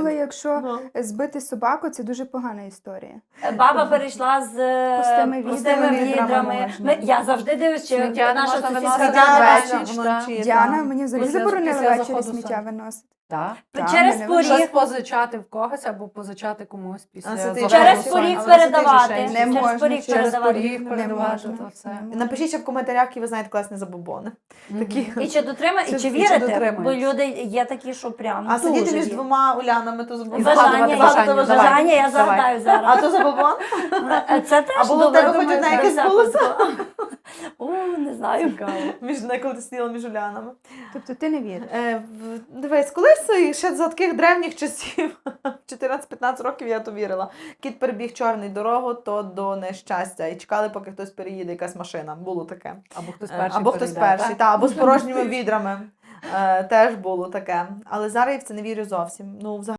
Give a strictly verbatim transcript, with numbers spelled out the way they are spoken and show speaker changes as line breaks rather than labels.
Але якщо
Ну.
збити собаку, це дуже погана історія.
Баба перейшла з е,
Пустими
пустими
відрами
відрами.
можна.
Ми- Я завжди дивлюсь, чи
Сміття не
наша
можна
сусідка
виносити
Діана
ввечері, вночі.
Діана,
так.
мені взагалі
Після-
заборонили
після
ввечері
заходу
сміття
сонця.
виносити.
Так.
Так,
через
мене
поріг.
Щось позичати в когось або позичати комусь після
А це ти
заходу
Через
сонця.
поріг
Але це ти
передавати.
ж
Не
Через
можна,
поріг
через
передавати.
поріг
Не
передавати,
можна.
то все.
Не можна.
Напишіть ще в коментарях, які ви знаєте класні забобони. Такі.
І чи дотримає, і
Чи-
чи
і чи
вірите? Бо
дотримуєтесь?
люди є такі, що прям
А сидіти
дуже
між
вірять.
двома Улянами, то забобон.
Бажання,
Згадувати
я-
бажання,
бажання,
давай.
я
Давай.
загадаю зараз.
А то забобон?
Це теж
А було в
добре,
тебе хоч
думаю,
одне
до
якесь
всякого
було?
цього. О, не знаю.
Між коли ти сиділа між Улянами.
Тобто ти не віриш.
Е, в- дивись, колись і ще за таких древніх часів, чотирнадцять-п'ятнадцять років я то вірила. Кіт перебіг чорний дорогу, то до нещастя. І чекали, поки хтось переїде, якась машина. Було таке.
Або хтось
Е,
перший
Або хтось
перейде,
перший,
так?
та, або з порожніми відрами. Е, Теж було таке. Але зараз я в це не вірю зовсім. Ну, взагалі.